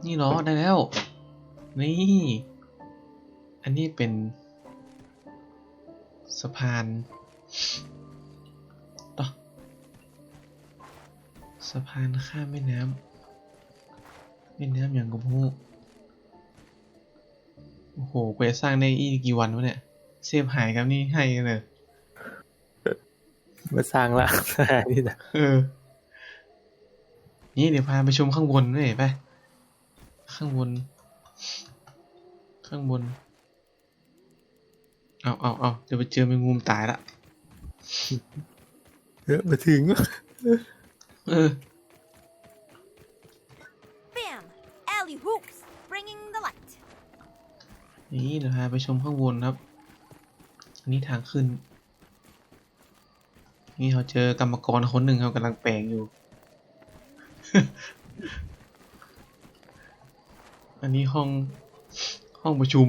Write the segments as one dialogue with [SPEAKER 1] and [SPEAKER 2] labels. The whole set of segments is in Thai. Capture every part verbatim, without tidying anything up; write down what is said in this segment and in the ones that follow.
[SPEAKER 1] นี่เหรอได้แล้วนี่อันนี้เป็นสะพานต่อสะพานข้ามแม่น้ำแม่น้ำอย่างกับพวกโอ้โหกูจะสร้างได้อีกกี่วันวะเนี่ยเซฟหายครับนี่ให้กันเลย
[SPEAKER 2] มาสร้างละนี่นะ
[SPEAKER 1] เออนี่เดี๋ยวพาไปชมข้างบนด้วยไปข้างบนข้างบนเอาเอาเอาเดี๋ยวไปเจอแมงมุมตายละ
[SPEAKER 2] เออมาถึง
[SPEAKER 1] เออ
[SPEAKER 3] Bam! Alley hoops, bringing the light.
[SPEAKER 1] นี่เดี๋ยวพาไปชมข้างบนครับ อันนี้ทางขึ้น นี่เราเจอกรรมกรคนหนึ่งเขากำลังแปลงอยู่ อันนี้ห้องห้องประชุม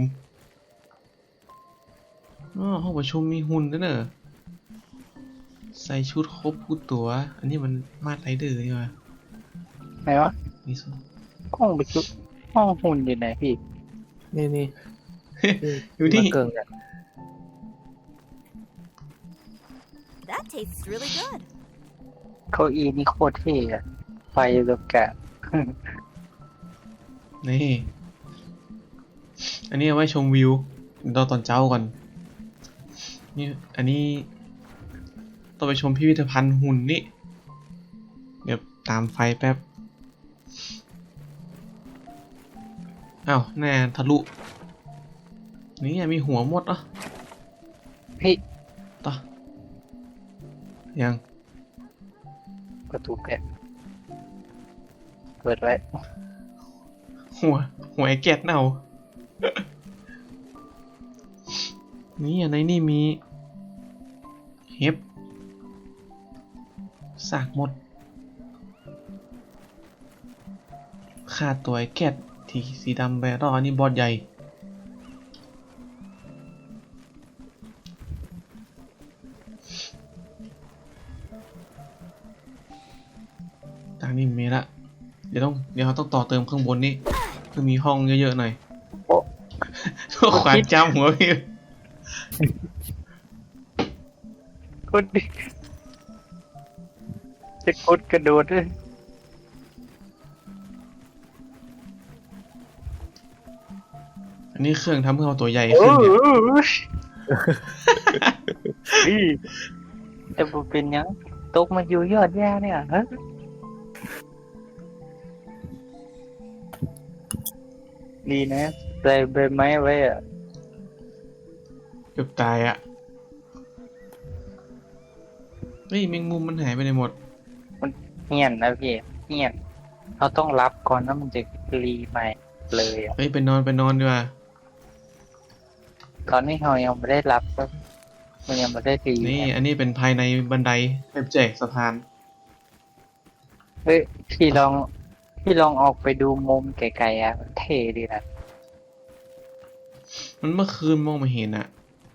[SPEAKER 1] อ๋อห้องประชุมมีหุ่นด้วยเนอะใส่ชุดครบทุกตัว อันนี้มันมาดไรเดอร์นี่วะ
[SPEAKER 4] ไหนวะ
[SPEAKER 1] นี่สุ
[SPEAKER 4] ห้องประชุมห้องหุ่นอยู่ไหนพี่
[SPEAKER 2] นี่นี่
[SPEAKER 1] อยู่ที่
[SPEAKER 2] มาเกิงอ่ะ
[SPEAKER 3] That tastes really good.
[SPEAKER 4] เก้าอี้นี่โคตรเท่อะไฟแบบแกะ
[SPEAKER 1] นี่ อันนี้เอาไว้ชมวิวรอตอนเช้าก่อน นี่ อันนี้ต้องไปชมพิพิธภัณฑ์หุ่นนี่ เดี๋ยวตามไฟแป๊บ อ้าวแน่ทะลุ นี่มีหัวหมดอ่ะ
[SPEAKER 4] พี่
[SPEAKER 1] ต่อ ยัง
[SPEAKER 4] ประตูแกะเปิดไว้
[SPEAKER 1] หัว หัวไอ้แกะเน่า นี่อันไหนนี่มี เห็บสากหมดขาดตัวไอ้แกะที่สีดำไปรออันนี้บอสใหญ่ ทางนี้มีละ เดี๋ยวต้อง เดี๋ยวเราต้องต่อเติมข้างบนนี้คือมีห้องเยอะๆหน่อย
[SPEAKER 4] โอ้
[SPEAKER 1] ขวานจำหัวพี่
[SPEAKER 4] กดดิจะกดกระโดดเลย
[SPEAKER 1] อันนี้เครื่องทำให้เราตัวใหญ่
[SPEAKER 4] โอ้
[SPEAKER 1] ขึ้นเนี่ย
[SPEAKER 4] โหพี่แต่บ่เป็นหยังตกมาอยู่ยอดแย่เนี่ยฮะดีนะใส่ใบไม้ไว้อะ
[SPEAKER 1] เกือบตายอ่ะ เฮ้ยแมงมุมมันหายไปไหนหมด
[SPEAKER 4] เงียนนะพี่เงียนเราต้องรับก่อนนะมันจะรีใหม่เลยอะ
[SPEAKER 1] เฮ้ยไปนอนไปนอนดีกว่า
[SPEAKER 4] ตอนนี้เรายังไม่ได้รับก็มันยังไม่ได้รี
[SPEAKER 1] นี่
[SPEAKER 4] เนี่ย
[SPEAKER 1] อันนี้เป็นภายในบันไดแบบแจกสะพาน
[SPEAKER 4] เฮ้ยพี่ลองพี่ลองออกไปดูมุมไกลๆอ่ะมันเท่ดีนะ
[SPEAKER 1] มันเมื่อคืนมองไม่เห็นอ่ะ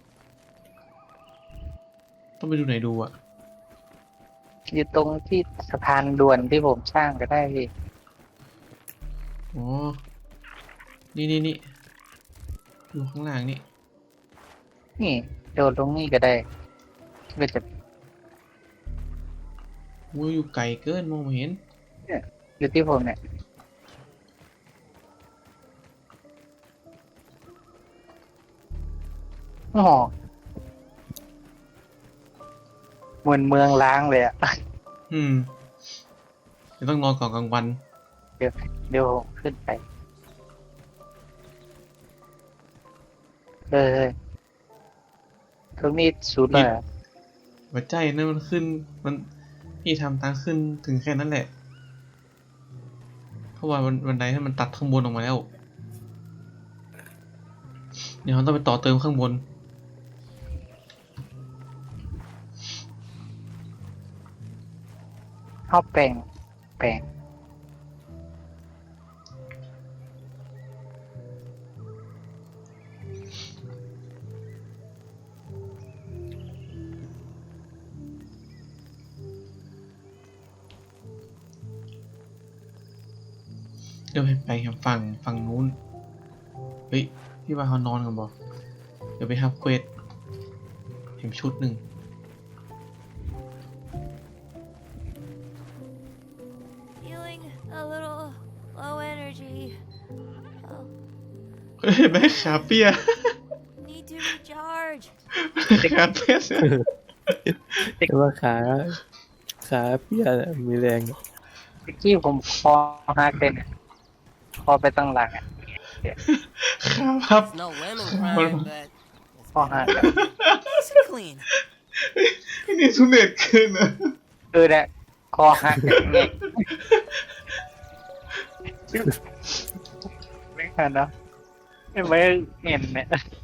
[SPEAKER 1] ต้องไปดูไหนดูอ่ะ
[SPEAKER 4] อยู่ตรงที่สะพานด่วนที่ผมสร้างก็ได้พี่
[SPEAKER 1] อ๋อ นี่นี่นี่ดูข้างล่างนี่
[SPEAKER 4] นี่โดดลงนี่ก็ได้ก็จะ
[SPEAKER 1] วูอยู่ไกลเกินมองไม่เห็น
[SPEAKER 4] อยู่ที่ผมเนี่ยโอ้โหเหมือนเมืองล้างเลยอ่ะ
[SPEAKER 1] อืมเดี๋ยวต้องนอนก่อนกลางวัน
[SPEAKER 4] เดี๋ยวผมขึ้นไปเออตรงนี้สุดเลยอะ
[SPEAKER 1] หัวใจนั่นมันขึ้น มันพี่ทำทางขึ้นถึงแค่นั้นแหละ เพราะว่ามันบันไดให้มันตัดข้างบนออกมาแล้ว เดี๋ยวเราต้องไปต่อเติมข้างบน
[SPEAKER 4] เอาแปลงแปลง
[SPEAKER 1] เดี๋ยวไปไปครับฝั่งฝั่งนู้นเฮ้ยพี่ว่าเขานอนกันบ่เดี๋ยวไปฮับเควสเห็นชุดหนึ่ง
[SPEAKER 3] Feeling a little low energy. Oh,
[SPEAKER 1] เฮ้ยแม่ขาเปีย
[SPEAKER 3] need to recharge.
[SPEAKER 1] ขาเปีย
[SPEAKER 2] แต่ว่าขาขาเปียน่ะมีแรง
[SPEAKER 4] เมื่อกี้ผมคอหักเลยเนี่ยคอไปตั้งหลังอ่ะ
[SPEAKER 1] ขาพับ
[SPEAKER 5] No women crying, but
[SPEAKER 4] คอหักอะ
[SPEAKER 3] Nice and clean.
[SPEAKER 1] นี่ทุเรศเกินนะ
[SPEAKER 4] เออเนี่ยคอหักอย่างเงี้ยไม่ทันเนาะไม่เห็นเนี่ย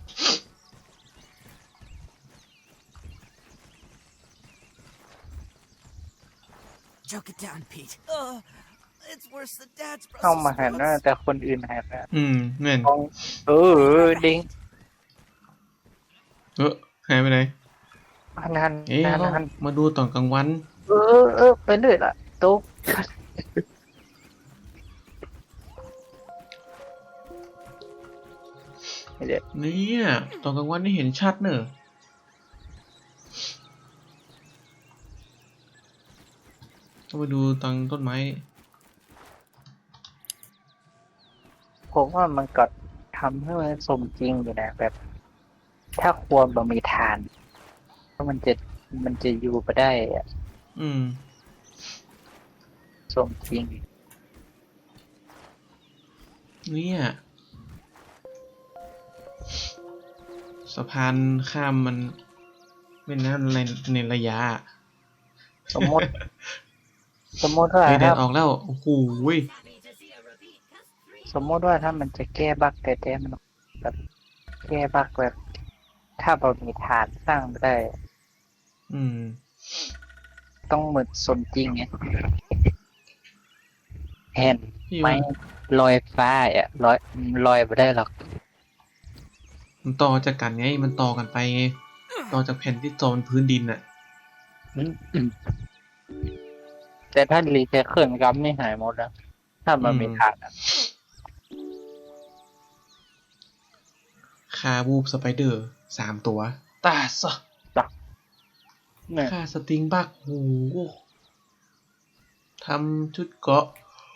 [SPEAKER 5] choke it down, Pete.
[SPEAKER 3] Uh, it's worse than Dad's
[SPEAKER 4] เข้า
[SPEAKER 3] Brussels
[SPEAKER 4] มาหันนะ
[SPEAKER 3] sprouts.
[SPEAKER 4] แต่คนอื่นหันนะ
[SPEAKER 1] อืมเหมือน
[SPEAKER 4] มองเออดิง
[SPEAKER 1] เออหายไปไหน
[SPEAKER 4] หันหัน
[SPEAKER 1] เอ๊ะ
[SPEAKER 4] หัน
[SPEAKER 1] เรา
[SPEAKER 4] หัน
[SPEAKER 1] มาดูตอนกลางวัน
[SPEAKER 4] เออเออไปเรื่อยละตุ๊กเดี๋ยว
[SPEAKER 1] เนี่ยตอนกลางวันนี่เห็นชัดเนอะต้องไปดูตังต้นไม้
[SPEAKER 4] ผมว่ามันก็ทำให้มันสมจริงอยู่นะแบบ ถ้าควรบะมีทานเพราะมันจะมันจะอยู่ไปได้อะ
[SPEAKER 1] อืม
[SPEAKER 4] สมจริง
[SPEAKER 1] เนี่ยสะพานข้ามมันแม่น้ำในในระยะ
[SPEAKER 4] สมมติ สมมติว่า
[SPEAKER 1] เฮ้ยแด
[SPEAKER 4] ถ้า
[SPEAKER 1] ดออกแล้วโอ้โหย
[SPEAKER 4] สมมติว่าถ้ามันจะแก้บั๊กแต่แต่มันแบบแก้บั๊กแบบ ถ้าบะมีทานสร้างไม่ได้
[SPEAKER 1] อืม
[SPEAKER 4] ต้องเหมือนสมจริงไงเห็น
[SPEAKER 1] พี่
[SPEAKER 4] ไหม
[SPEAKER 1] ว่า
[SPEAKER 4] ลอยฟ้าอ่ะลอยลอยไม่ได้หรอก
[SPEAKER 1] มันต่อจากกันไงมันต่อกันไปไงต่อจากแผ่นที่จอมพื้นดินน่ะ
[SPEAKER 4] อืมอืมแต่ถ้ารีไซเคิลกัมนี่หายหมดแล้วถ้ามันมีทานอะ
[SPEAKER 1] คาบูบสไปเดอร์สามตัว ตาซะ
[SPEAKER 4] เนี่ย
[SPEAKER 1] ค่าสติงบักโหทำชุดเกาะ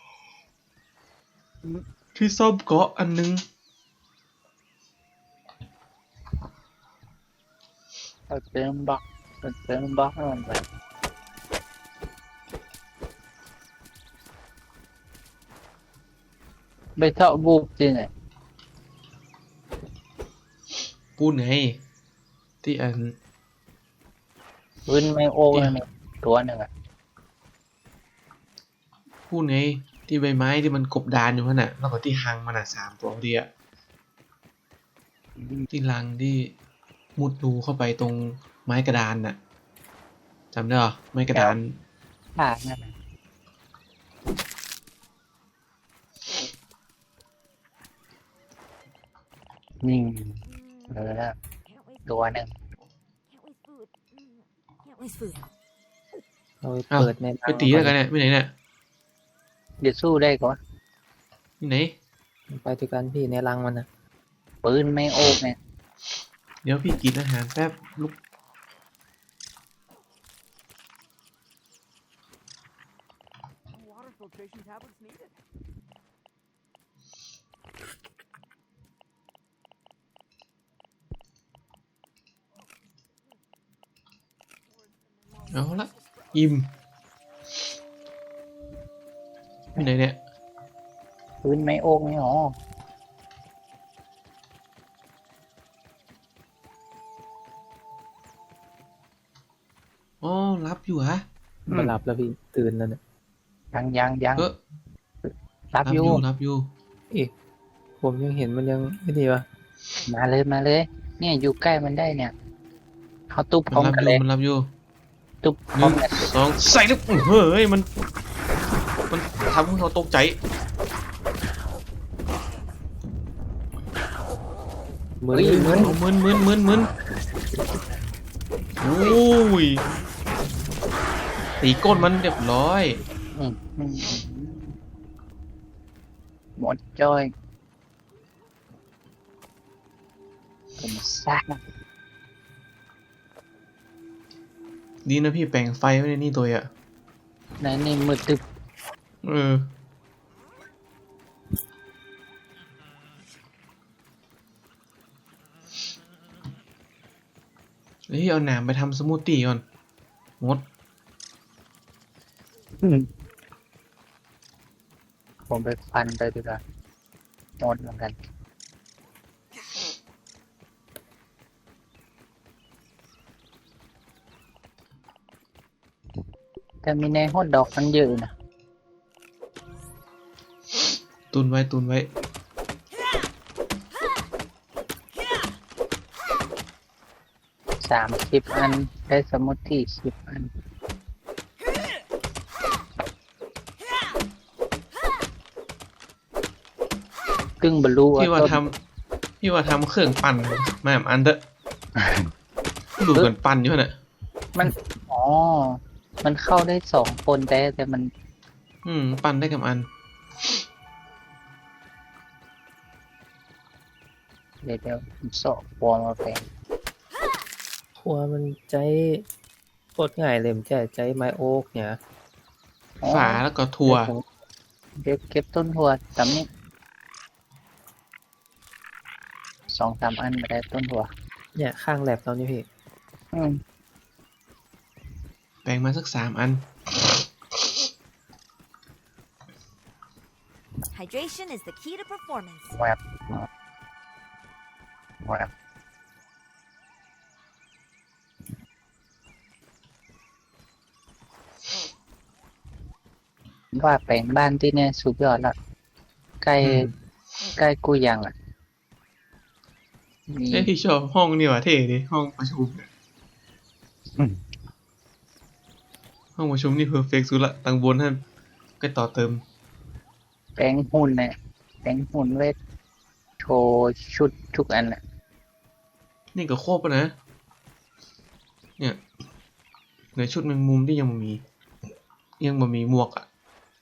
[SPEAKER 1] ที่ซ่อมเกาะอันนึง
[SPEAKER 4] เอาเติมบล็อกเอาเติมบล็อกให้มันไปไปเท่าบูบจริงไง
[SPEAKER 1] พูดไง ที่อัน
[SPEAKER 4] พื้นไม่โอ้นั่นเองตัวหนึ่งอ่ะ
[SPEAKER 1] พูดไง ที่ใบไม้ที่มันกบดานอยู่นั่นน่ะ แล้วก็ที่หังมันอ่ะสามตัวพอดีอ่ะ ที่รังที่มุดรูเข้าไปตรงไม้กระดานน่ะจำได้เหรอไม้กระดาน
[SPEAKER 4] ผ่านนั่นน่ะนี่เออแล้ว
[SPEAKER 3] Can't waste,
[SPEAKER 4] ตัวหนึ่ง
[SPEAKER 3] can't waste food. Mm, Can't waste food.
[SPEAKER 2] เอาไป
[SPEAKER 1] อ้าว
[SPEAKER 2] เปิดใน
[SPEAKER 1] ไปตีแล้วกันเนี่ยไปไหนเนี่ย
[SPEAKER 4] เดี๋ยวสู้ได้ก่อน
[SPEAKER 1] ที่ไหน
[SPEAKER 2] ไปด้วยกันพี่ในรังมันนะ
[SPEAKER 4] ปืนไม่โอ้เนี่ย
[SPEAKER 1] เดี๋ยวพี่กินอาหารแป๊บลุก
[SPEAKER 5] Water filtration tablets needed.
[SPEAKER 1] เอาละอิ่มที่ไหนเนี่ย
[SPEAKER 4] ปืนไม่โอ้ไม่หรอ
[SPEAKER 1] อ๋อรับอยู่ฮะ
[SPEAKER 2] มาหลับแล้วพี่ตื่นแล้วเนี่ย
[SPEAKER 4] ยังยังยัง
[SPEAKER 1] เออ
[SPEAKER 4] รับอยู่
[SPEAKER 1] รับอยู่
[SPEAKER 2] เอ๊ะผมยังเห็นมันยังไม่ดีวะ
[SPEAKER 4] มาเลยมาเลย เนี่ยอยู่ใกล้มันได้เนี่ยเขาตุ๊บพร้
[SPEAKER 1] มั
[SPEAKER 4] อน ม
[SPEAKER 1] รับ
[SPEAKER 4] กัน
[SPEAKER 1] อ
[SPEAKER 4] เล
[SPEAKER 1] ยู่
[SPEAKER 4] ย
[SPEAKER 1] มันรับอยู่
[SPEAKER 4] ตุ๊บพ
[SPEAKER 1] ห
[SPEAKER 4] ร้อ
[SPEAKER 1] นึ่
[SPEAKER 4] ม
[SPEAKER 1] ง
[SPEAKER 4] กัน
[SPEAKER 1] สองใส่ลูกเฮ้ยมันมันทำให้เราตกใจ
[SPEAKER 2] มือ
[SPEAKER 4] เฮ้ยเหมือน
[SPEAKER 1] เอามึนมึนมึนมึนโอ้ยตีก้นมันเรียบร้อย
[SPEAKER 4] อืมอืมหมดจ้อยเป็นซากนะ
[SPEAKER 1] ดีนะพี่แปลงไฟไว้ในนี่ตัวอ่ะ
[SPEAKER 4] ในนี่มืดตึบ
[SPEAKER 1] เออเฮ้ยเอาหนามไปทำสมูทตี้ก่อนมด
[SPEAKER 4] อืมผมไปฟันไปดีกว่าหมดเหมือนกันแต่มีในฮอตดอกมันเยอะนะ
[SPEAKER 1] ตุนไว้ตุนไว้
[SPEAKER 4] สามสิบอันได้สมุดที่สิบอันกึ่งบรรลุ
[SPEAKER 1] พี่ว่า
[SPEAKER 4] ต้น
[SPEAKER 1] ทำพี่ว่าทำเครื่องปั่นมาแบบอันเถอะดูเหมือนปั่นอยู่น่ะ
[SPEAKER 4] มัน อ๋อ มันเข้าได้สองคนแต่แต่มัน
[SPEAKER 1] อืม ปั่นได้กับอัน
[SPEAKER 4] เดี๋ยวเดี๋ยวผมสอบวอลมาแปลง
[SPEAKER 2] ครัวมันใจโคตรง่ายเลยมันใจใจไม้โอ๊กเนี่ย
[SPEAKER 4] อ๋อ
[SPEAKER 1] ฝาแล้วก็ถั่ว
[SPEAKER 4] เดี๋ยวเก็บต้นถั่วตำนี้สองสามอันมาได้ต้นถั่ว
[SPEAKER 2] เนี่ยข้างแลบเรานี่พี่
[SPEAKER 4] อืม
[SPEAKER 1] แปลงมาสักสามอัน
[SPEAKER 3] Hydration is the key to performance.
[SPEAKER 4] แวบแวบว่าแปลงบ้านที่เนี่ยสุดยอดละใกล้
[SPEAKER 1] อืม
[SPEAKER 4] ใกล้กูยังอ่ะมี
[SPEAKER 1] เอ้ยพี่ชอบห้องนี่ว่ะเท่ดิห้องประชุมเนี่ย
[SPEAKER 4] อืม
[SPEAKER 1] ห้องประชุมนี่เพอร์เฟกต์สุดละตังบนท่านก็ต่อเติม
[SPEAKER 4] แปลงหุ่นเนี่ยแปลงหุ่นเวทโชว์ชุดทุกอันแหละ
[SPEAKER 1] นี่ก็ครบแล้วนะ เนี่ยเหลือชุดแมงมุมที่ยังบ่มี ยังบ่มีหมวกอ่ะ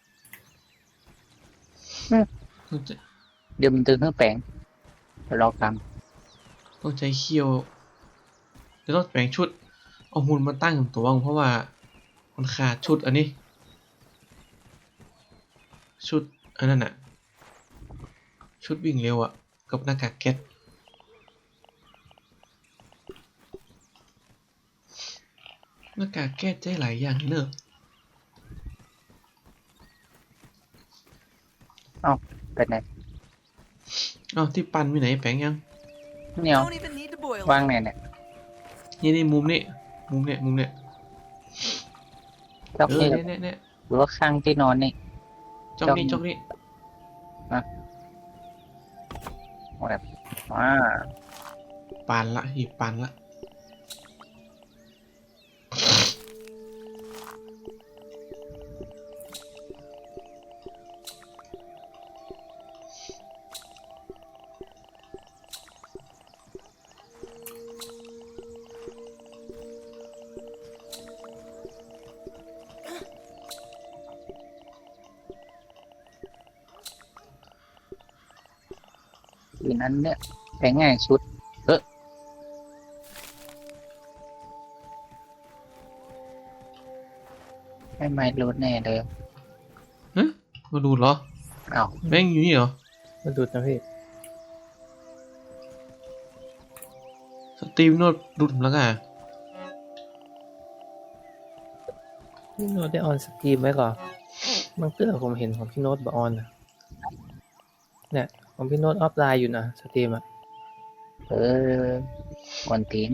[SPEAKER 1] ต้องใจ
[SPEAKER 4] เดี๋ยวมันตึงเครื่องแปลงเดี๋ยวรอก
[SPEAKER 1] ต้องใจเคี่ยวเดี๋ยวต้องแปลงชุด เอาหุ่นมาตั้งกับตัวเพราะว่ามันขาดชุดอันนี้ ชุดอันนั้นอ่ะ ชุดวิ่งเร็วอ่ะ กับหน้ากากแก๊สหน้ากากแก๊สใจหลายอย่างเนอะ
[SPEAKER 4] ำเป็นไง
[SPEAKER 1] เอ้าที่ปันมีไหนแปลงยัง
[SPEAKER 4] เนี่ย
[SPEAKER 5] Don't even need to boil
[SPEAKER 4] วาง
[SPEAKER 5] it.
[SPEAKER 4] ไหนเนี่ย
[SPEAKER 1] นี่นี่มุมนี่มุมเนี่ยมุมเนี่ย
[SPEAKER 4] จอก
[SPEAKER 1] เออ
[SPEAKER 4] นี่
[SPEAKER 1] เนี่ยเนี่ยเนี่ย
[SPEAKER 4] หรือว่าข้างที่นอนนี่
[SPEAKER 1] จอกนี่จอกนี่
[SPEAKER 4] แบบอ่า
[SPEAKER 1] ปานละหีบปานละ
[SPEAKER 4] อีนั้นเนี่ยแปลงง่ายสุดเออไม่ไม่รู้แน่เลย
[SPEAKER 1] ฮะมาดูเหรอ
[SPEAKER 4] เอ้า
[SPEAKER 1] แม่งอยู่นี่เหรอ
[SPEAKER 2] มันดูดนะพี่
[SPEAKER 1] สตรีมโนดดูดผมแล้วกัน
[SPEAKER 2] พี่โน้ตได้ออนสตรีมไว้ก่อนบางเตื้อผมเห็นของพี่โน้ตบออนนะเนี่ยของพี่โน้ตออฟไลน์อยู่นะสตรีมอ่ะ
[SPEAKER 4] เออก่อนตีน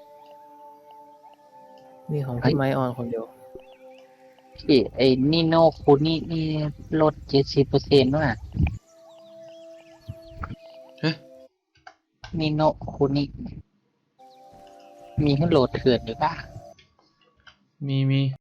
[SPEAKER 2] นี่ของ
[SPEAKER 4] เฮ้
[SPEAKER 2] พี่
[SPEAKER 4] ย
[SPEAKER 2] ไม้ออนคนเดียว
[SPEAKER 4] พี่ไอ้นี่โนคูนี่นี่ลดเจ็ดสิบเปอร์เซ็นต์ว่ะ
[SPEAKER 1] ฮะ
[SPEAKER 4] นี่โนคูนี่มีให้โหลดเถื่อนหรือเปล่า
[SPEAKER 1] มีมี